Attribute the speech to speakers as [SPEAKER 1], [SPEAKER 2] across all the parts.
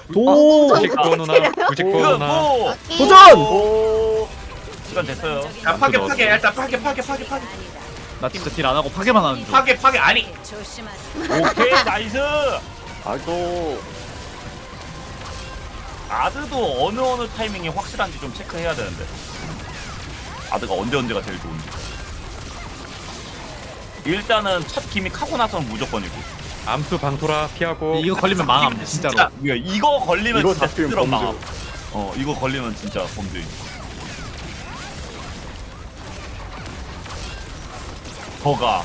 [SPEAKER 1] 도
[SPEAKER 2] 99 누나 99 누나
[SPEAKER 3] 뭐
[SPEAKER 1] 도전!
[SPEAKER 3] 오 시간 됐어요.
[SPEAKER 4] 야 파괴
[SPEAKER 2] 넣었어.
[SPEAKER 4] 파괴 일단 파괴
[SPEAKER 5] 나 진짜 딜 안 하고 파괴만 하는 중.
[SPEAKER 4] 파괴 아니
[SPEAKER 3] 오케이 나이스.
[SPEAKER 6] 아이고
[SPEAKER 3] 아드도 어느 타이밍이 확실한지 좀 체크해야 되는데. 아드가 언제가 제일 좋은지. 일단은 첫 기믹 하고 나서는 무조건이고.
[SPEAKER 2] 암수 방토라 피하고
[SPEAKER 5] 이거 걸리면 망함 진짜로.
[SPEAKER 3] 이거 걸리면
[SPEAKER 6] 이거
[SPEAKER 3] 진짜
[SPEAKER 6] 잡히면
[SPEAKER 3] 스스로
[SPEAKER 6] 범죄.
[SPEAKER 3] 망함. 이거 걸리면 진짜 범죄. 거가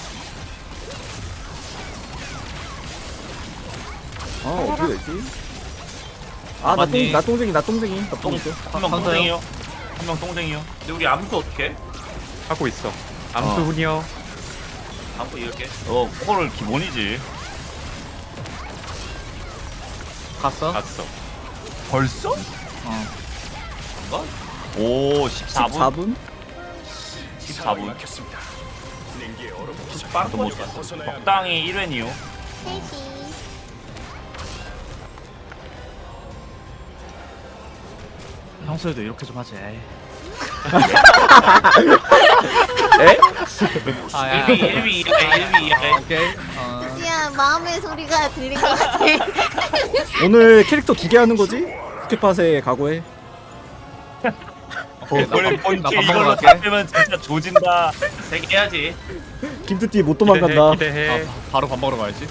[SPEAKER 6] 아 어떻게 되지?
[SPEAKER 5] 맞니?
[SPEAKER 1] 나 똥쟁이
[SPEAKER 3] 한명 똥쟁이요. 한 명 똥쟁이요.
[SPEAKER 4] 근데 우리 암수 어떻게?
[SPEAKER 2] 하고 있어 암수 훈이요
[SPEAKER 4] 암수 이렇게
[SPEAKER 3] 콜 기본이지.
[SPEAKER 5] 갔어?
[SPEAKER 2] 갔어
[SPEAKER 3] 벌써?
[SPEAKER 5] 어.
[SPEAKER 3] 오 14분?
[SPEAKER 1] 14분
[SPEAKER 3] 14분.
[SPEAKER 4] 빵
[SPEAKER 3] 뭐
[SPEAKER 4] 터지겠어.
[SPEAKER 3] 적당히 1웬이요.
[SPEAKER 5] 평소에도 이렇게 좀 하지. 에이.
[SPEAKER 1] 에?
[SPEAKER 5] 아, 야.
[SPEAKER 4] 1위
[SPEAKER 5] 오케이.
[SPEAKER 7] 야 마음의 소리가 들린 것 같아.
[SPEAKER 1] 오늘 캐릭터 2개 하는 거지? 스킵팟에 각오해
[SPEAKER 5] 오케이,
[SPEAKER 3] 우리
[SPEAKER 5] 나
[SPEAKER 3] 본캐
[SPEAKER 5] 밥 먹으러
[SPEAKER 3] 이걸로
[SPEAKER 5] 갈게.
[SPEAKER 3] 잡히면 진짜 조진다.
[SPEAKER 4] 3개 해야지.
[SPEAKER 1] 김뚜띠 못 도망간다
[SPEAKER 2] 기대해
[SPEAKER 5] 바로 밥 먹으러 가야지.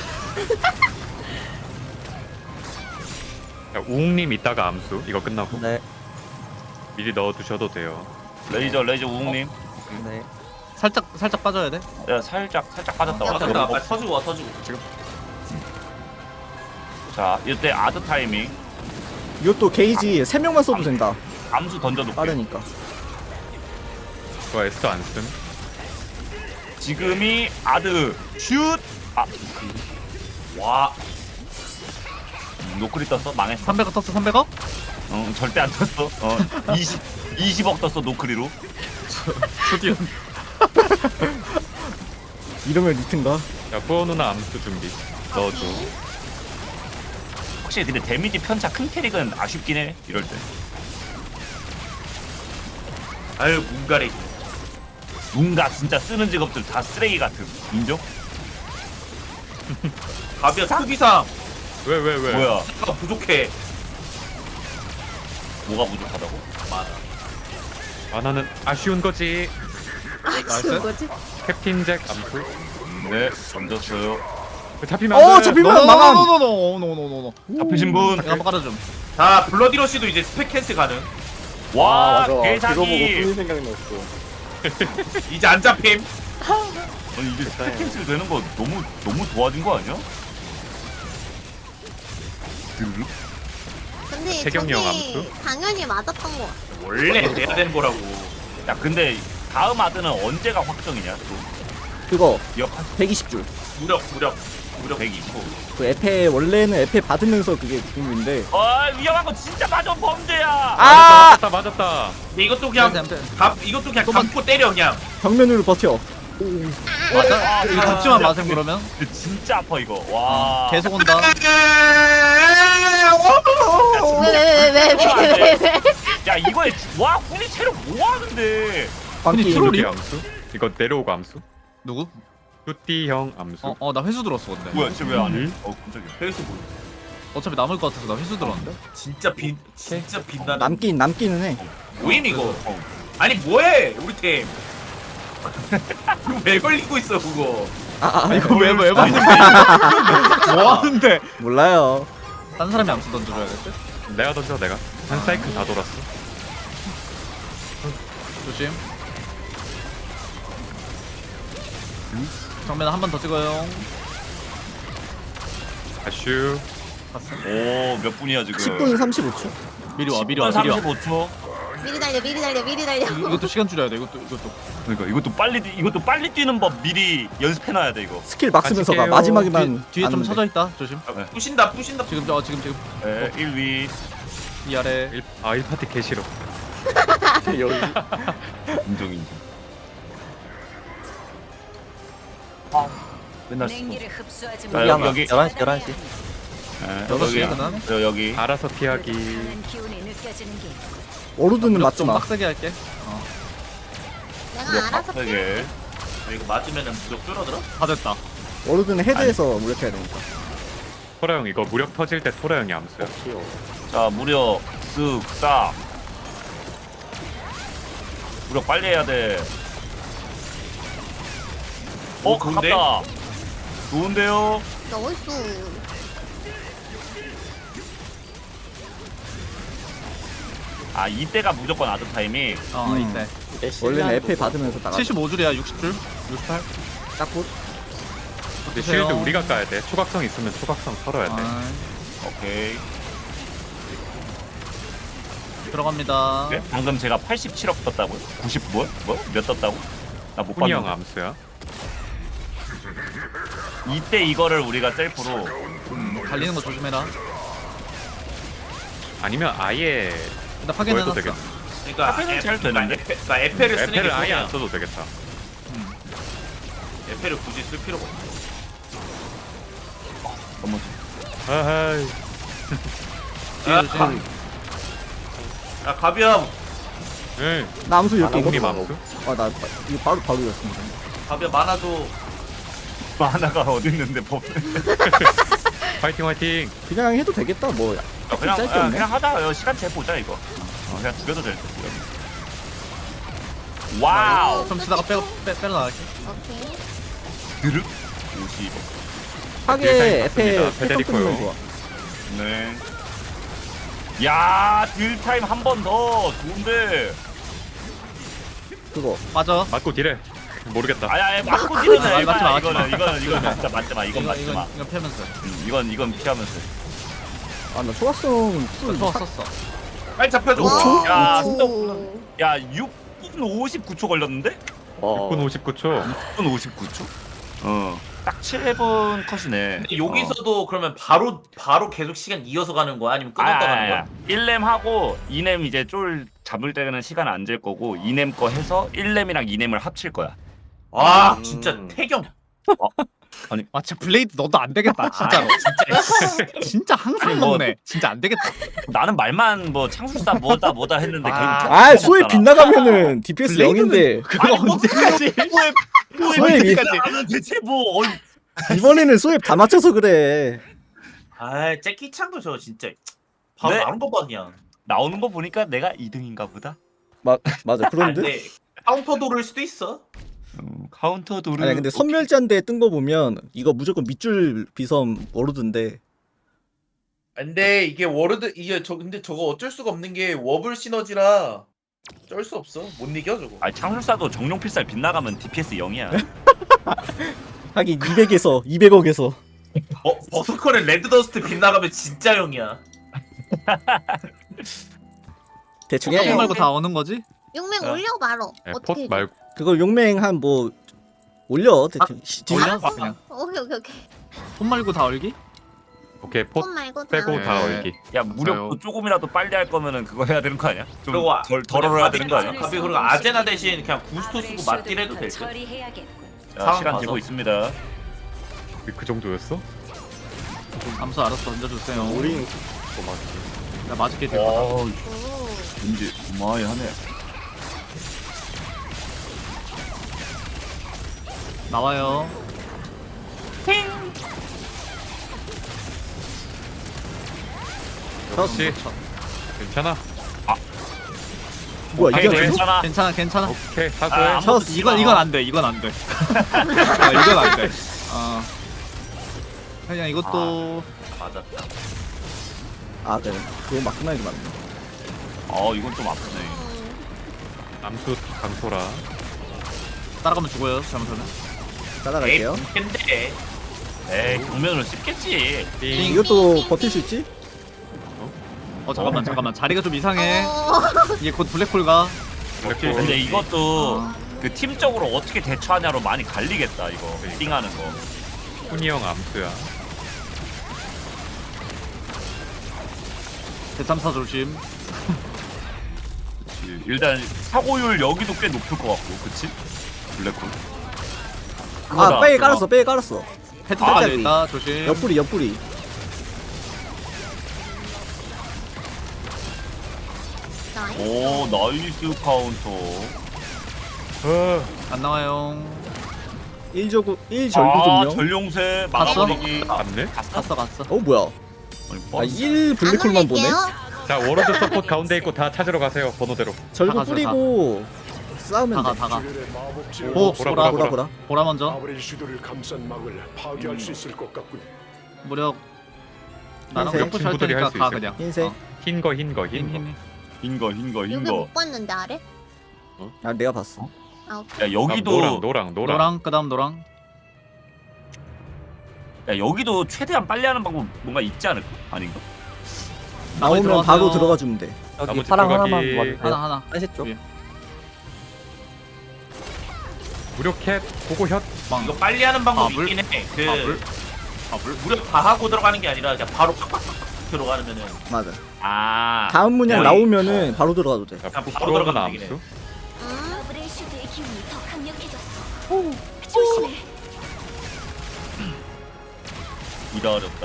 [SPEAKER 2] 야, 우웅님 이따가 암수 이거 끝나고
[SPEAKER 1] 네
[SPEAKER 2] 미리 넣어두셔도 돼요
[SPEAKER 3] 레이저 우웅님.
[SPEAKER 1] 네.
[SPEAKER 5] 살짝 빠져야 돼.
[SPEAKER 3] 야, 살짝 빠졌다.
[SPEAKER 4] 아 됐다. 아, 터지고 와 터지고.
[SPEAKER 3] 자 이때 아드 타이밍.
[SPEAKER 1] 이것도 게이지 3명만 써도 된다
[SPEAKER 3] 암수 던져놓고.
[SPEAKER 1] 빠르니까
[SPEAKER 2] 그거 에스터 안쓴
[SPEAKER 3] 지금이 아드 슛. 와. 노크리 떴어? 망했어.
[SPEAKER 5] 300억 떴어 300억?
[SPEAKER 3] 절대 안 떴어. 20억 떴어 노크리로.
[SPEAKER 5] 드디어.
[SPEAKER 1] 이러면 리트인가?
[SPEAKER 2] 야 후어 누나 암수 준비 넣어줘
[SPEAKER 3] 확실히 근데 데미지 편차 큰 캐릭은 아쉽긴 해. 이럴 때.
[SPEAKER 4] 아유 문가리.
[SPEAKER 3] 뭔가 진짜 쓰는 직업들 다 쓰레기 같은. 인정?
[SPEAKER 4] 가비야 특이상
[SPEAKER 2] 왜
[SPEAKER 3] 뭐야?
[SPEAKER 4] 가 부족해.
[SPEAKER 3] 뭐가 부족하다고?
[SPEAKER 2] 나는 아쉬운 거지
[SPEAKER 5] 나이스.
[SPEAKER 7] 뭐지?
[SPEAKER 2] 캡틴 잭 암수
[SPEAKER 3] 네, 던졌어요.
[SPEAKER 2] 잡히면 안돼
[SPEAKER 1] 잡히면 망함
[SPEAKER 5] 노노노노노노노노.
[SPEAKER 3] 잡히신 분.
[SPEAKER 5] 한번 깔아줌.
[SPEAKER 4] 자 블러디러시도 이제 스펙 캔슬 가능.
[SPEAKER 3] 와,
[SPEAKER 6] 맞아 그거 보고
[SPEAKER 3] 개사기.
[SPEAKER 6] 훈이 생각났어
[SPEAKER 4] 이제 안 잡힘.
[SPEAKER 3] 아니 이게 스펙 캔슬 되는 거 너무 도와준 거 아니야? 드르륵?
[SPEAKER 7] 근데
[SPEAKER 2] 태경이 형
[SPEAKER 7] 저게
[SPEAKER 2] 암수?
[SPEAKER 7] 당연히 맞았던 거 같아.
[SPEAKER 4] 원래 돼야 되는 거라고.
[SPEAKER 3] 야 근데 다음 아드는 언제가 확정이냐? 또
[SPEAKER 1] 그거
[SPEAKER 3] 기억하?
[SPEAKER 1] 120줄
[SPEAKER 4] 무력
[SPEAKER 3] 120호.
[SPEAKER 1] 그 에페 원래는 에페 받으면서 그게 죽음인데
[SPEAKER 3] 위험한 거 진짜 맞아 범죄야.
[SPEAKER 2] 맞았다
[SPEAKER 4] 근데 이것도 그냥 이것도 그냥 감고 때려 그냥.
[SPEAKER 1] 벽면으로 버텨
[SPEAKER 5] 맞아? 이거 잡지만
[SPEAKER 3] 야,
[SPEAKER 5] 마셈 그러면?
[SPEAKER 3] 근데 진짜 아파 이거. 와.
[SPEAKER 5] 계속 온다.
[SPEAKER 7] 왜?
[SPEAKER 3] 야 이거에 와 훈이 체력 뭐 하는데?
[SPEAKER 1] 광기
[SPEAKER 2] 뚜띠 암수 이거 내려오고 암수
[SPEAKER 5] 누구?
[SPEAKER 2] 뚜띠 형 암수
[SPEAKER 5] 나 회수 들었어 근데.
[SPEAKER 3] 뭐야 진짜 왜 안 해? 깜짝이야.
[SPEAKER 4] 페이스 보여.
[SPEAKER 5] 어차피 남을 것 같아서 나 회수 들었는데.
[SPEAKER 4] 진짜 빛나는.
[SPEAKER 1] 남기는 해
[SPEAKER 4] 뭐임 이거? 아니 뭐해 우리 팀? 이거 왜 걸리고 있어 그거?
[SPEAKER 5] 이거 왜 걸리는데? 뭐 하는데?
[SPEAKER 1] 몰라요
[SPEAKER 5] 딴 사람이 암수 던져줘야겠지?
[SPEAKER 2] 내가 던져 내가 한 사이클 다 돌았어
[SPEAKER 5] 조심. 정면 한 번 더 찍어요.
[SPEAKER 2] 아슈
[SPEAKER 5] 갔어.
[SPEAKER 3] 오몇 분이야 지금?
[SPEAKER 1] 10분 35초
[SPEAKER 5] 미리 와.
[SPEAKER 3] 35초.
[SPEAKER 7] 미리 달려.
[SPEAKER 5] 이것도 시간 줄여야 돼. 이것도.
[SPEAKER 3] 그러니까 이것도 빨리 뛰는 법 미리 연습해놔야 돼 이거.
[SPEAKER 1] 스킬 막 쓰면서 가
[SPEAKER 2] 같이
[SPEAKER 1] 마지막에만
[SPEAKER 5] 뒤에 좀
[SPEAKER 1] 안
[SPEAKER 5] 쳐져 있다. 조심.
[SPEAKER 4] 부신다.
[SPEAKER 5] 지금.
[SPEAKER 3] 네, 1위.
[SPEAKER 5] 이 아래.
[SPEAKER 2] 1파티 개 싫어
[SPEAKER 6] 여기
[SPEAKER 3] 인정. 맨날 쓰고.
[SPEAKER 7] 냉기를 흡수하지
[SPEAKER 3] 자, 여기
[SPEAKER 1] 11시
[SPEAKER 3] 네,
[SPEAKER 5] 6시에 그다음에
[SPEAKER 3] 여기.
[SPEAKER 2] 알아서 피하기.
[SPEAKER 1] 워로드는 맞지
[SPEAKER 5] 좀
[SPEAKER 1] 마.
[SPEAKER 5] 빡세게 할게.
[SPEAKER 7] 내가 알아서
[SPEAKER 3] 되게.
[SPEAKER 4] 이거 맞으면은 무적 줄어들어?
[SPEAKER 5] 다 됐다.
[SPEAKER 1] 워로드는 헤드에서 무력해야 되니까.
[SPEAKER 2] 토라 형 이거 무력 터질 때 토라 형이 암수야.
[SPEAKER 6] 귀여워.
[SPEAKER 3] 자, 무력 쓱 무력 빨리 해야 돼.
[SPEAKER 4] 좋은데?
[SPEAKER 3] 가깝다. 좋은데요?
[SPEAKER 7] 나이스.
[SPEAKER 3] 아, 이때가 무조건 아드 타이밍.
[SPEAKER 5] 이때.
[SPEAKER 1] 원래는 에페 받으면서 나가.
[SPEAKER 5] 75줄이야 60줄. 68.
[SPEAKER 1] 딱붙.
[SPEAKER 2] 근데 쉴드 우리가 까야 돼. 초각성 있으면 초각성 털어야 돼.
[SPEAKER 3] 오케이.
[SPEAKER 5] 들어갑니다.
[SPEAKER 3] 네? 방금 제가 87억 떴다고요? 90 뭐? 몇 떴다고? 나 못
[SPEAKER 2] 훈이 형
[SPEAKER 3] 봤는데.
[SPEAKER 2] 암수야.
[SPEAKER 3] 이때 이거를 우리가 셀프로
[SPEAKER 5] 달리는 거 조심해라.
[SPEAKER 2] 아니면 아예
[SPEAKER 5] 일단
[SPEAKER 2] 뭐
[SPEAKER 5] 파괴는
[SPEAKER 2] 해도
[SPEAKER 5] 해놨어.
[SPEAKER 2] 되겠다.
[SPEAKER 4] 그러니까
[SPEAKER 3] 카페는 잘 되는데?
[SPEAKER 4] 그러니까 에페를 쓰는 게
[SPEAKER 2] 에페를 아예
[SPEAKER 4] 좋아.
[SPEAKER 2] 안 써도 되겠다.
[SPEAKER 4] 에페를 굳이 쓸 필요가 없어.
[SPEAKER 3] 너무
[SPEAKER 2] 아하이.
[SPEAKER 5] 뒤에 조심.
[SPEAKER 4] 야 가비야,
[SPEAKER 2] 응.
[SPEAKER 1] 나 암수 이렇게
[SPEAKER 2] 형님
[SPEAKER 1] 이거.
[SPEAKER 2] 암수?
[SPEAKER 1] 나 이거 바로 이었습니다.
[SPEAKER 4] 가비야 많아도
[SPEAKER 3] 하나가 어디 있는데 법.
[SPEAKER 2] 화이팅 화이팅.
[SPEAKER 1] 그냥 해도 되겠다. 뭐
[SPEAKER 3] 그냥
[SPEAKER 1] 짧게 없네.
[SPEAKER 3] 그냥 하다 시간 재 보자 이거. 그냥 죽여도 될 듯. 와우.
[SPEAKER 5] 좀 치다가 빼러 나갈게.
[SPEAKER 7] 오케이.
[SPEAKER 3] 드륵 50.
[SPEAKER 1] 하게
[SPEAKER 2] 딜타임
[SPEAKER 1] 에페
[SPEAKER 2] 맞습니다. 페데리코요.
[SPEAKER 1] 패턴 좋아.
[SPEAKER 3] 네. 야, 딜타임 한 번 더. 좋은데.
[SPEAKER 1] 그거
[SPEAKER 5] 맞아.
[SPEAKER 2] 맞고 딜해. 모르겠다.
[SPEAKER 3] 아야, 맞고 딜은
[SPEAKER 5] 맞지 마, 맞지 마.
[SPEAKER 3] 이거는 진짜 맞지 마. 이건 맞지 마.
[SPEAKER 5] 이건 패면서.
[SPEAKER 3] 이건 피하면서.
[SPEAKER 1] 아나 초각성 풀
[SPEAKER 5] 썼어.
[SPEAKER 4] 빨리 잡혀줘.
[SPEAKER 1] 오.
[SPEAKER 3] 야,
[SPEAKER 7] 오.
[SPEAKER 3] 야, 6분 59초 걸렸는데?
[SPEAKER 2] 6분 59초.
[SPEAKER 3] 6분 59초? 딱 7분 컷이네.
[SPEAKER 4] 근데 여기서도 그러면 바로 계속 시간 이어서 가는 거야? 아니면 끊었다 가는 거야?
[SPEAKER 3] 1렘 하고 2렘 이제 쫄 잡을 때는 시간 안 잴 거고 2렘 거 해서 1렘이랑 2렘을 합칠 거야.
[SPEAKER 4] 아 진짜 태경.
[SPEAKER 5] 아 진짜 블레이드 너도 안 되겠다 진짜로. 진짜 항상
[SPEAKER 3] 뭐-
[SPEAKER 5] 먹네. 진짜 안 되겠다.
[SPEAKER 3] 나는 말만 뭐 창술사 뭐다 했는데
[SPEAKER 1] 아 소에 빗나가면은 DPS 0인데
[SPEAKER 5] 그거 언제까지?
[SPEAKER 1] 소에
[SPEAKER 3] 나는 대체 뭐
[SPEAKER 1] 이번에는 소에 다 맞춰서 그래.
[SPEAKER 4] 아 잭키창도 저 진짜 바로
[SPEAKER 3] 네?
[SPEAKER 4] 나온 거 봐 그냥.
[SPEAKER 3] 나오는 거 보니까 내가 2등인가 보다.
[SPEAKER 1] 맞아 그런데.
[SPEAKER 4] 근데 카운터 도를 수도 있어.
[SPEAKER 3] 카운터 도르.
[SPEAKER 1] 아니 근데 선멸자인데 뜬 거 보면 이거 무조건 밑줄 비섬 워로드인데
[SPEAKER 8] 근데 이게 워르드 이게 근데 저거 어쩔 수가 없는 게 워블 시너지라 쩔 수 없어. 못 이겨 저거.
[SPEAKER 3] 아니 창술사도 정령 필살 빗나가면 DPS 0이야.
[SPEAKER 1] 하긴 200에서 200억에서
[SPEAKER 4] 버스커는 레드더스트 빗나가면 진짜 형이야.
[SPEAKER 1] 대충
[SPEAKER 5] 포
[SPEAKER 1] 해.
[SPEAKER 5] 말고 다 오는 거지?
[SPEAKER 7] 용맹 올려 바로.
[SPEAKER 2] 네,
[SPEAKER 7] 어떻게?
[SPEAKER 2] 폿
[SPEAKER 7] 해줘?
[SPEAKER 2] 말고
[SPEAKER 1] 그거 용맹 한 뭐 올려 대충.
[SPEAKER 5] 올려? 그냥.
[SPEAKER 7] 오케이.
[SPEAKER 5] 손 말고 다 얼기?
[SPEAKER 2] 오케이 포
[SPEAKER 7] 폰 말고 다.
[SPEAKER 2] 빼고 다
[SPEAKER 5] 네.
[SPEAKER 2] 얼기.
[SPEAKER 3] 야 무력도 조금이라도 빨리 할 거면은 그거 해야 되는 거 아니야? 좀
[SPEAKER 4] 그리고
[SPEAKER 3] 덜 해야 되는 거 아니야?
[SPEAKER 4] 가비 그리고 아제나 대신 그냥 구스토 쓰고 맞딜 해도 될 듯.
[SPEAKER 3] 자,
[SPEAKER 4] 상황
[SPEAKER 3] 시간
[SPEAKER 4] 봐서.
[SPEAKER 3] 되고 있습니다.
[SPEAKER 2] 그 정도였어?
[SPEAKER 5] 암수 알아서 던져주세요.
[SPEAKER 6] 우린
[SPEAKER 5] 나 맞을게 될 거다.
[SPEAKER 7] 오.
[SPEAKER 3] 왠지 우마이하네.
[SPEAKER 5] 나와요.
[SPEAKER 2] 역시 괜찮아.
[SPEAKER 1] 뭐야 이게
[SPEAKER 2] 오케이,
[SPEAKER 1] 아니야?
[SPEAKER 3] 괜찮아.
[SPEAKER 5] 괜찮아.
[SPEAKER 2] 오케이 사고해.
[SPEAKER 3] 아,
[SPEAKER 5] 셔스 이건 안 돼. 이건 안 돼. 이건 안 돼. 그냥 이것도
[SPEAKER 4] 맞았다.
[SPEAKER 1] 아 그래 그거 막 끝나지 말네.
[SPEAKER 3] 이건 좀 아프네.
[SPEAKER 2] 암수 강소라.
[SPEAKER 5] 따라가면 죽어요. 잘못하면.
[SPEAKER 1] 따라갈게요.
[SPEAKER 4] 근데
[SPEAKER 3] 에이 정면으로 씹겠지.
[SPEAKER 2] 띵.
[SPEAKER 1] 이것도 버틸 수 있지?
[SPEAKER 5] 잠깐만. 자리가 좀 이상해.
[SPEAKER 7] 어.
[SPEAKER 5] 이게 곧 블랙홀 가.
[SPEAKER 2] 블랙홀.
[SPEAKER 3] 근데 이것도 그 팀적으로 어떻게 대처하냐로 많이 갈리겠다 이거. 띵하는 거.
[SPEAKER 2] 훈이 형 암수야.
[SPEAKER 5] 대참사 조심.
[SPEAKER 3] 일단 사고율 여기도 꽤 높을 것 같고, 그치? 블랙홀.
[SPEAKER 1] 아 빼 깔았어.
[SPEAKER 5] 헤드
[SPEAKER 3] 아,
[SPEAKER 5] 때까지
[SPEAKER 1] 네.
[SPEAKER 5] 있다. 조심.
[SPEAKER 1] 옆구리.
[SPEAKER 7] 나이스.
[SPEAKER 3] 오 나이스 카운터.
[SPEAKER 5] 안 나와요.
[SPEAKER 1] 1절구
[SPEAKER 3] 아
[SPEAKER 1] 1절구
[SPEAKER 3] 전룡새
[SPEAKER 5] 갔어?
[SPEAKER 3] 막아버리기.
[SPEAKER 2] 맞네?
[SPEAKER 5] 갔어 갔어.
[SPEAKER 1] 어 뭐야? 아 1 블랙홀만 보네?
[SPEAKER 2] 자 워로드 서포트 가운데 있고 다 찾으러 가세요 번호대로.
[SPEAKER 1] 절구
[SPEAKER 5] 다가서
[SPEAKER 1] 뿌리고 싸우면
[SPEAKER 5] 다가
[SPEAKER 1] 돼.
[SPEAKER 5] 다가.
[SPEAKER 2] 오
[SPEAKER 5] 보라
[SPEAKER 2] 보라
[SPEAKER 1] 보라
[SPEAKER 2] 보라.
[SPEAKER 1] 보라.
[SPEAKER 5] 보라 먼저.
[SPEAKER 9] 아브렐 슈도를 감싼 막을 파괴할 수 있을 것 같군.
[SPEAKER 5] 무력. 나랑
[SPEAKER 1] 흰색.
[SPEAKER 5] 격부시 할
[SPEAKER 2] 친구들이
[SPEAKER 5] 테니까
[SPEAKER 2] 할수
[SPEAKER 5] 가
[SPEAKER 2] 있어요.
[SPEAKER 5] 그냥.
[SPEAKER 1] 흰색.
[SPEAKER 5] 어.
[SPEAKER 2] 흰거
[SPEAKER 5] 흰, 흰.
[SPEAKER 7] 여기
[SPEAKER 3] 흰거.
[SPEAKER 7] 못 봤는데 아래?
[SPEAKER 1] 아 내가 봤어.
[SPEAKER 7] 아 오케이.
[SPEAKER 3] 야 여기도
[SPEAKER 2] 노랑.
[SPEAKER 5] 노랑 그다음 노랑.
[SPEAKER 3] 야 여기도 최대한 빨리 하는 방법 뭔가 있지 않을까? 아닌가?
[SPEAKER 1] 나오면
[SPEAKER 5] 들어가세요.
[SPEAKER 1] 바로 들어가 주면 돼.
[SPEAKER 2] 나머지 들어가기.
[SPEAKER 5] 하나.
[SPEAKER 1] 한셋 쪽.
[SPEAKER 5] 위에.
[SPEAKER 2] 무력캣 고고 혓.
[SPEAKER 5] 빵.
[SPEAKER 4] 이거 빨리 하는 방법이
[SPEAKER 5] 물?
[SPEAKER 4] 있긴 해. 그
[SPEAKER 5] 물?
[SPEAKER 4] 무력 다 하고 들어가는 게 아니라 그냥 바로 팍팍팍 들어가면은
[SPEAKER 1] 맞아.
[SPEAKER 3] 아
[SPEAKER 1] 다음 문양
[SPEAKER 4] 거의-
[SPEAKER 1] 나오면은 바로 들어가도 돼.
[SPEAKER 2] 자
[SPEAKER 4] 바로
[SPEAKER 2] 부끄러운
[SPEAKER 4] 들어가면 되긴
[SPEAKER 2] 암수.
[SPEAKER 7] 음.
[SPEAKER 10] 아브렐슈드의 기운이 더 강력해졌어. 조심해.
[SPEAKER 3] 이다 어렵다.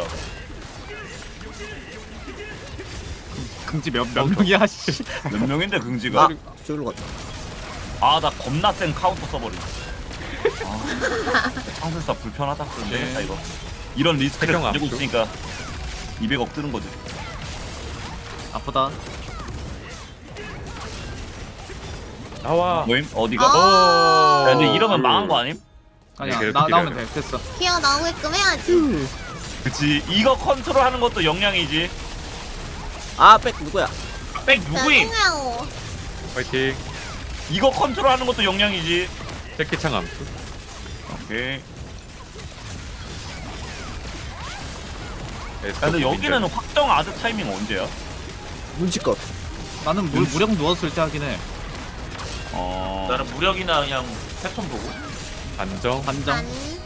[SPEAKER 5] 금지 몇 명이야 씨.
[SPEAKER 3] 몇 명인데 긍지가?
[SPEAKER 1] 저기로 갔다.
[SPEAKER 3] 아 나 겁나 센 카운터 써버리. 아 창술사 불편하다. 그럼
[SPEAKER 5] 네.
[SPEAKER 3] 되겠다 이거. 이런 리스크를
[SPEAKER 2] 태경
[SPEAKER 3] 가지고
[SPEAKER 2] 압수.
[SPEAKER 3] 있으니까 200억 뜨는 거지.
[SPEAKER 5] 아프다.
[SPEAKER 2] 나와.
[SPEAKER 3] 모임 어디가?
[SPEAKER 7] 아.
[SPEAKER 3] 야, 근데 이러면 망한 거 아님?
[SPEAKER 5] 아니야
[SPEAKER 2] 네,
[SPEAKER 5] 나오면
[SPEAKER 2] 그래도
[SPEAKER 5] 돼. 됐어.
[SPEAKER 7] 튀어 나오게끔 해야지.
[SPEAKER 3] 그치. 이거 컨트롤하는 것도 역량이지.
[SPEAKER 1] 아백 누구야?
[SPEAKER 4] 백 누구임?
[SPEAKER 7] 죄송해요.
[SPEAKER 2] 파이팅.
[SPEAKER 3] 이거 컨트롤하는 것도 역량이지.
[SPEAKER 2] 새끼창 암수.
[SPEAKER 3] 오케이. 야,
[SPEAKER 2] 에스더
[SPEAKER 3] 근데 여기는
[SPEAKER 2] 빈대.
[SPEAKER 3] 확정 아드 타이밍 언제야?
[SPEAKER 1] 눈치껏.
[SPEAKER 5] 나는 무력 누웠을 때 하긴 해.
[SPEAKER 4] 나는 무력이나 그냥 패턴 보고.
[SPEAKER 2] 안정.
[SPEAKER 5] 반장.
[SPEAKER 7] 아니.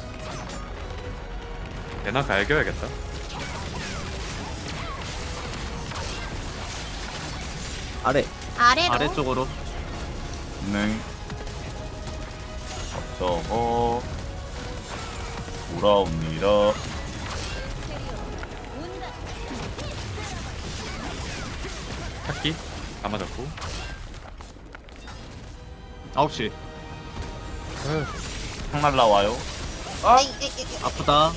[SPEAKER 2] 얘나 갈겨야겠다.
[SPEAKER 1] 아래.
[SPEAKER 7] 아래로.
[SPEAKER 5] 아래쪽으로.
[SPEAKER 3] 네. 저거 돌아옵니다.
[SPEAKER 2] 찾기. 다 맞았고.
[SPEAKER 5] 9시.
[SPEAKER 3] 창 날라와요.
[SPEAKER 5] 아프다.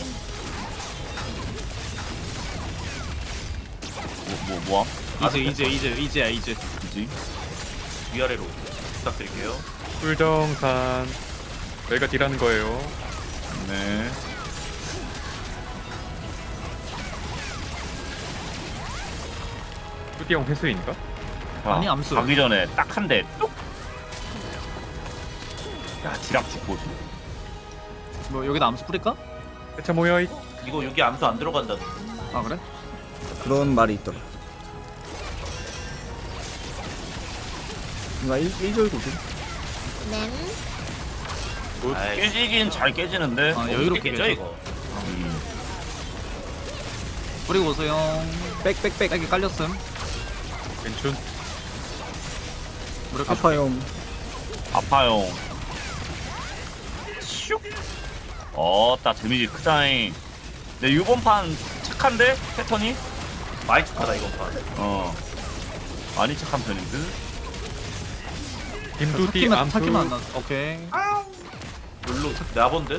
[SPEAKER 3] 뭐야?
[SPEAKER 5] 이제야.
[SPEAKER 3] 그지?
[SPEAKER 4] 위아래로 부탁드릴게요.
[SPEAKER 2] 꿀정산. 저희가 딜하는 거예요.
[SPEAKER 3] 네.
[SPEAKER 2] 뚜디형 회수인가?
[SPEAKER 3] 자,
[SPEAKER 5] 아니, 암수.
[SPEAKER 3] 가기 전에 딱 한 대. 뚝. 야, 지락 죽고.
[SPEAKER 5] 뭐 여기다 암수 뿌릴까?
[SPEAKER 2] 대체 모여 이.
[SPEAKER 4] 이거 여기 암수 안 들어간다.
[SPEAKER 5] 아 그래?
[SPEAKER 1] 그런 말이 있더라. 뭔가 1절구지.
[SPEAKER 7] 램.
[SPEAKER 4] 아이,
[SPEAKER 3] 깨지긴 잘 깨지는데.
[SPEAKER 5] 아 여유롭게
[SPEAKER 4] 깨져
[SPEAKER 5] 깨져.
[SPEAKER 4] 이거.
[SPEAKER 5] 뿌리고 오세요.
[SPEAKER 1] 백백백.
[SPEAKER 5] 백이 깔렸음.
[SPEAKER 2] 괜춘.
[SPEAKER 5] 무력
[SPEAKER 1] 아파요.
[SPEAKER 3] 아파요. 슉. 딱 데미지 크다잉. 내 이번 판 착한데 패턴이?
[SPEAKER 4] 많이 착하다 이거 봐.
[SPEAKER 3] 많이 착한 편인데.
[SPEAKER 2] 김두디 암수.
[SPEAKER 5] 찾기만 안 났어. 오케이.
[SPEAKER 4] 룰로 나본데?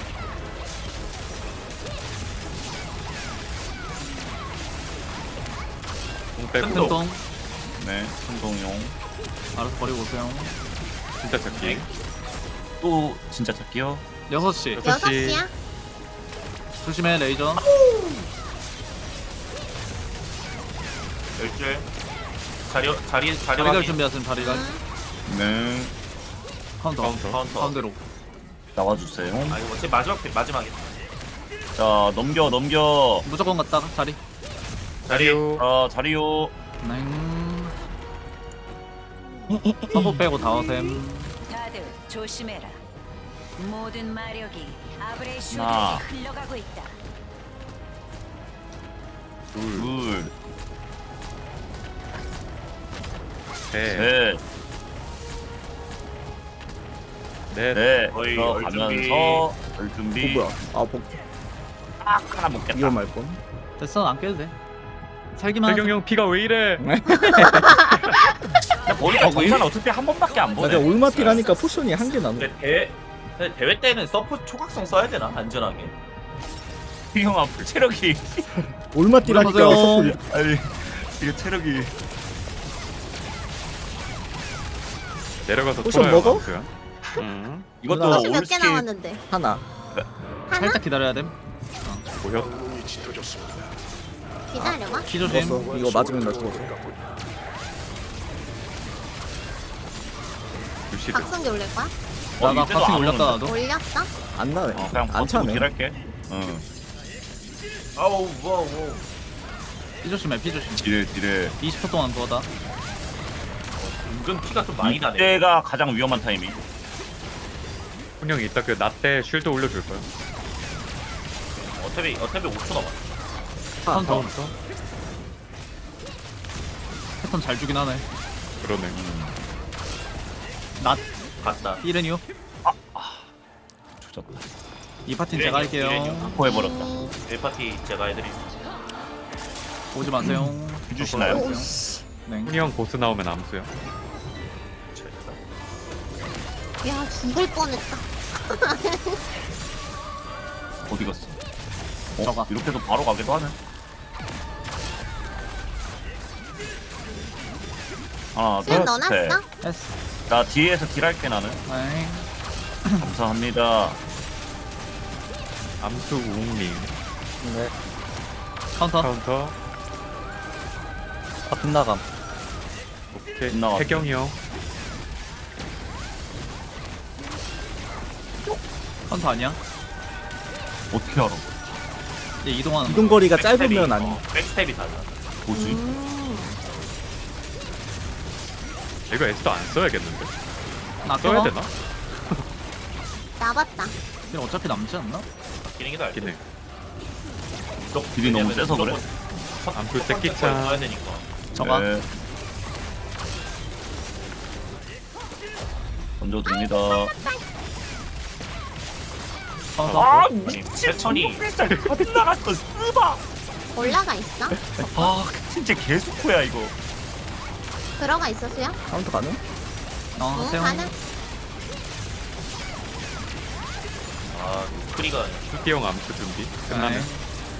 [SPEAKER 2] 공백.
[SPEAKER 4] 큰 동.
[SPEAKER 5] 똥.
[SPEAKER 3] 네, 행동용.
[SPEAKER 5] 알아서 버리고 오세요.
[SPEAKER 2] 진짜 찾기.
[SPEAKER 3] 또 진짜 찾기요?
[SPEAKER 5] 6시.
[SPEAKER 7] 6시야?
[SPEAKER 5] 조심해 레이저.
[SPEAKER 4] 열줄. 자리
[SPEAKER 5] 자리갈
[SPEAKER 4] 확인.
[SPEAKER 5] 준비하세요. 자리갈.
[SPEAKER 3] 네.
[SPEAKER 5] 카운터.
[SPEAKER 4] 카운터.
[SPEAKER 5] 가운데로.
[SPEAKER 3] 나와주세요.
[SPEAKER 4] 아 이거 어차피 마지막에.
[SPEAKER 3] 자, 넘겨.
[SPEAKER 5] 무조건 갔다가 자리.
[SPEAKER 2] 자리요.
[SPEAKER 3] 자리요.
[SPEAKER 5] 넹. 서브 빼고 다 오셈.
[SPEAKER 10] 다들 조심해라. 모든 마력이
[SPEAKER 3] 하나.
[SPEAKER 10] 아브렐슈드에게 흘러가고 있다.
[SPEAKER 3] 둘,
[SPEAKER 2] 셋.
[SPEAKER 3] 셋,
[SPEAKER 2] 넷.
[SPEAKER 3] 넷.
[SPEAKER 4] 거의
[SPEAKER 3] 들어가면서 열 준비.
[SPEAKER 1] 뭐야? 아 복.
[SPEAKER 3] 딱 하나 먹겠다.
[SPEAKER 1] 이걸 말 뻔.
[SPEAKER 5] 됐어 안 깨도 돼. 살기만
[SPEAKER 2] 태경 형 피가 왜 이래?
[SPEAKER 3] 머리가 정산 어차피 한 번밖에 안
[SPEAKER 1] 근데
[SPEAKER 3] 보네.
[SPEAKER 1] 올마티라니까 포션이 한 개 남아.
[SPEAKER 4] 근데 대회 때는 서포 초각성 써야 되나 안전하게.
[SPEAKER 3] 형 앞으로 체력이
[SPEAKER 1] 올마티라니까
[SPEAKER 5] 올라가세요.
[SPEAKER 1] 서플.
[SPEAKER 3] 아니 이게 체력이
[SPEAKER 2] 내려가서
[SPEAKER 1] 포션
[SPEAKER 2] 털어요,
[SPEAKER 1] 먹어?
[SPEAKER 2] 암수야.
[SPEAKER 3] 이것도
[SPEAKER 1] 올라가.
[SPEAKER 7] 몇 개
[SPEAKER 3] 올스킬
[SPEAKER 7] 남았는데.
[SPEAKER 1] 하나.
[SPEAKER 7] 하나?
[SPEAKER 5] 살짝 기다려야 됨.
[SPEAKER 2] 보여?
[SPEAKER 9] 영웅이 짙어졌습니다.
[SPEAKER 7] 기다려봐.
[SPEAKER 5] 키 조심.
[SPEAKER 1] 죽었어. 이거 맞으면 나 죽었어.
[SPEAKER 2] 루시드.
[SPEAKER 7] 박성기 올릴 거야?
[SPEAKER 5] 나나
[SPEAKER 3] 이때도
[SPEAKER 5] 가슴
[SPEAKER 3] 안
[SPEAKER 5] 올렸다
[SPEAKER 3] 오는데?
[SPEAKER 5] 나도.
[SPEAKER 7] 올렸어?
[SPEAKER 1] 안 나네.
[SPEAKER 3] 그냥
[SPEAKER 1] 안
[SPEAKER 3] 버티고
[SPEAKER 1] 차네.
[SPEAKER 3] 딜할게. 응.
[SPEAKER 4] 아우 뭐.
[SPEAKER 5] 피 조심해 피 조심.
[SPEAKER 3] 딜
[SPEAKER 5] 20초 동안 그거다.
[SPEAKER 4] 은근 피가 좀 많이 나네.
[SPEAKER 3] 이때가 가장 위험한 타이밍.
[SPEAKER 2] 훈형이 이따 그 나 때 쉴드 올려줄 거야.
[SPEAKER 4] 어차피 5초 남았어.
[SPEAKER 5] 카운터. 패턴 잘 주긴 하네.
[SPEAKER 2] 그러네.
[SPEAKER 5] 낫
[SPEAKER 4] 갔다.
[SPEAKER 5] 이레니오.
[SPEAKER 3] 조졌다.
[SPEAKER 5] 이 파티는 제가 할게요.
[SPEAKER 3] 포해버렸다.
[SPEAKER 4] 1파티 제가 해드림.
[SPEAKER 5] 오지 마세요.
[SPEAKER 3] 해주시나요?
[SPEAKER 7] 오, 씨.
[SPEAKER 5] 네.
[SPEAKER 2] 훈이 형 보스 나오면 암수야.
[SPEAKER 7] 야, 죽을 뻔했다.
[SPEAKER 3] 어디 갔어?
[SPEAKER 5] 저가.
[SPEAKER 3] 이렇게 해서 바로 가기도 하네. 하나,
[SPEAKER 7] 수연
[SPEAKER 3] 둘,
[SPEAKER 7] 넣어놨어?
[SPEAKER 3] 셋.
[SPEAKER 5] 했어.
[SPEAKER 3] 나 뒤에서 딜할게 나는.
[SPEAKER 5] 네.
[SPEAKER 3] 감사합니다.
[SPEAKER 2] 암수 우웅님.
[SPEAKER 1] 네.
[SPEAKER 5] 카운터.
[SPEAKER 2] 카운터.
[SPEAKER 1] 아 빗나감.
[SPEAKER 2] 오케이.
[SPEAKER 3] 빗나갔어.
[SPEAKER 2] 태경이 형.
[SPEAKER 5] 카운터 아니야?
[SPEAKER 3] 어떻게 알아?
[SPEAKER 5] 얘 이동하는 거.
[SPEAKER 1] 이동 거리가 짧으면 아니.
[SPEAKER 4] 백스텝이 달라.
[SPEAKER 3] 뭐지?
[SPEAKER 2] 이거 S도 안 써야겠는데.
[SPEAKER 5] 나
[SPEAKER 2] 써야
[SPEAKER 5] 껴봐.
[SPEAKER 2] 되나?
[SPEAKER 7] 나봤다.
[SPEAKER 5] 얘 어차피 남지 않나?
[SPEAKER 4] 기능이 다
[SPEAKER 2] 기네.
[SPEAKER 3] 딜이 너무 세서 그래.
[SPEAKER 2] 암수
[SPEAKER 4] 써야
[SPEAKER 2] 새끼짱.
[SPEAKER 4] 되니까.
[SPEAKER 5] 저가.
[SPEAKER 3] 네. 던져줍니다.
[SPEAKER 5] 카운터.
[SPEAKER 4] 아니 패턴이
[SPEAKER 3] 어디 나갔어? 쓰바.
[SPEAKER 7] 올라가 있어?
[SPEAKER 3] 아, 진짜 개수코야 이거.
[SPEAKER 7] 들어가 있어, 수연?
[SPEAKER 1] 카운터 가능?
[SPEAKER 7] 응,
[SPEAKER 5] 하세요.
[SPEAKER 7] 가능?
[SPEAKER 4] 아 크리가
[SPEAKER 2] 수기 형 암수 준비. 끝나면.
[SPEAKER 5] 네.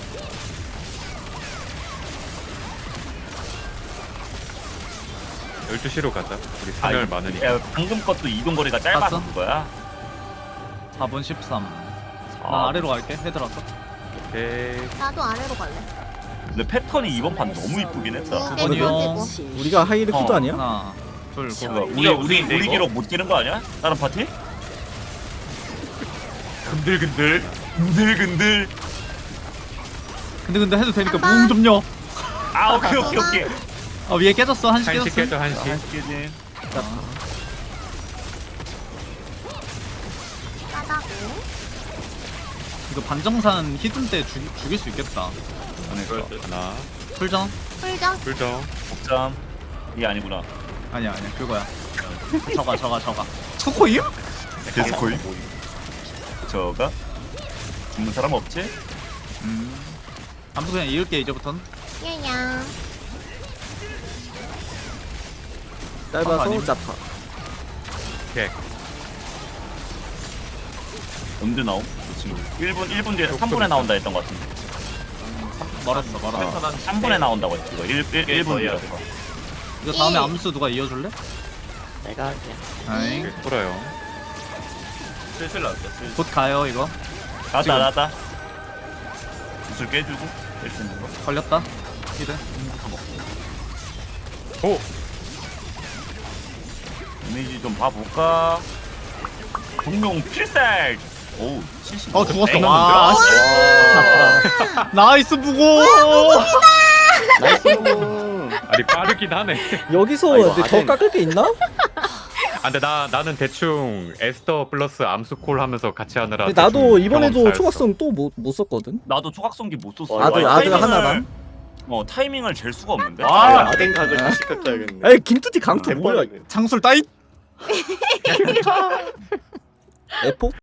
[SPEAKER 2] 네. 12시로 가자. 우리 산열 많으니까.
[SPEAKER 3] 야, 방금 것도 이동 거리가 짧아서
[SPEAKER 5] 봤어?
[SPEAKER 3] 그거야.
[SPEAKER 5] 4분 13. 나 아래로 갈게. 헤드라서.
[SPEAKER 2] 오케이.
[SPEAKER 7] 나도 아래로 갈래.
[SPEAKER 3] 근데 패턴이 이번 판 너무 이쁘긴 했다.
[SPEAKER 7] 두 개,
[SPEAKER 5] 번이요.
[SPEAKER 7] 두 개고.
[SPEAKER 1] 우리가 하이를 키도
[SPEAKER 3] 어,
[SPEAKER 1] 아니야?
[SPEAKER 5] 하나, 둘, 고.
[SPEAKER 3] 그거
[SPEAKER 4] 이게
[SPEAKER 3] 우리
[SPEAKER 4] 우리인데, 이거?
[SPEAKER 3] 기록 못 뛰는 거 아니야? 다른 파티? 근들근들 근들근들.
[SPEAKER 5] 근데 해도 되니까
[SPEAKER 7] 한 번.
[SPEAKER 5] 무음 좀요.
[SPEAKER 3] 아 오케이.
[SPEAKER 5] 아 위에 깨졌어. 한시
[SPEAKER 2] 한식
[SPEAKER 5] 깨졌어.
[SPEAKER 2] 깨져 한식.
[SPEAKER 3] 깨진.
[SPEAKER 7] 싸다고.
[SPEAKER 5] 이거 반정산 히든 때 죽일 수 있겠다.
[SPEAKER 2] 하나.
[SPEAKER 5] 풀정?
[SPEAKER 7] 풀정?
[SPEAKER 2] 불정.
[SPEAKER 3] 복잠. 이게 아니구나.
[SPEAKER 5] 아니야 그거야. 저가. 초코임?
[SPEAKER 3] 계속 거의. 저가 죽는 사람 없지?
[SPEAKER 5] 아무튼 그냥 이을게 이제부턴.
[SPEAKER 7] 얘야.
[SPEAKER 1] 짧아서
[SPEAKER 5] 아니면-
[SPEAKER 1] 짜파.
[SPEAKER 2] 오케이.
[SPEAKER 3] 언제 나옴? 그 친구. 1분 뒤에 3분에 나온다 했던 것 같은데.
[SPEAKER 5] 멀었어.
[SPEAKER 4] 패턴 한
[SPEAKER 3] 3분에 나온다고 했지 이거. 1분 뒤에.
[SPEAKER 5] 이거 다음에
[SPEAKER 7] 예.
[SPEAKER 5] 암수 누가 이어줄래?
[SPEAKER 6] 내가 할게.
[SPEAKER 5] 아잉.
[SPEAKER 2] 오케이. 돌아요.
[SPEAKER 4] 슬슬 나왔어. 슬슬.
[SPEAKER 5] 곧 가요 이거.
[SPEAKER 3] 나왔다. 구슬 깨주고 뺄 수 있는 거.
[SPEAKER 5] 걸렸다. 히든.
[SPEAKER 2] 오.
[SPEAKER 3] 이미지 좀 봐볼까? 공룡 필살! 오우 70.
[SPEAKER 5] 죽었어.
[SPEAKER 3] 에이,
[SPEAKER 5] 와. 씨. 나이스 부고.
[SPEAKER 6] 나이스.
[SPEAKER 2] 아니 빠르긴 하네.
[SPEAKER 1] 여기서
[SPEAKER 6] 아이고,
[SPEAKER 1] 근데 더
[SPEAKER 6] 아덴.
[SPEAKER 1] 깎을 게 있나?
[SPEAKER 2] 아, 근데 나는 대충 에스더 플러스 암수콜 하면서 같이 하느라.
[SPEAKER 1] 근데 나도
[SPEAKER 2] 대충
[SPEAKER 1] 이번에도
[SPEAKER 2] 경험 다
[SPEAKER 1] 초각성 또 못 썼거든.
[SPEAKER 3] 나도 초각성기 못 썼어.
[SPEAKER 6] 와,
[SPEAKER 1] 아들
[SPEAKER 3] 타이밍을-
[SPEAKER 1] 하나랑.
[SPEAKER 3] 타이밍을 잴 수가 없는데.
[SPEAKER 6] 아덴 각을 다시 깎아야겠네.
[SPEAKER 1] 에이 김투티 강퇴 뭐야?
[SPEAKER 6] 뭐야?
[SPEAKER 5] 장술 따잇.
[SPEAKER 1] 에포?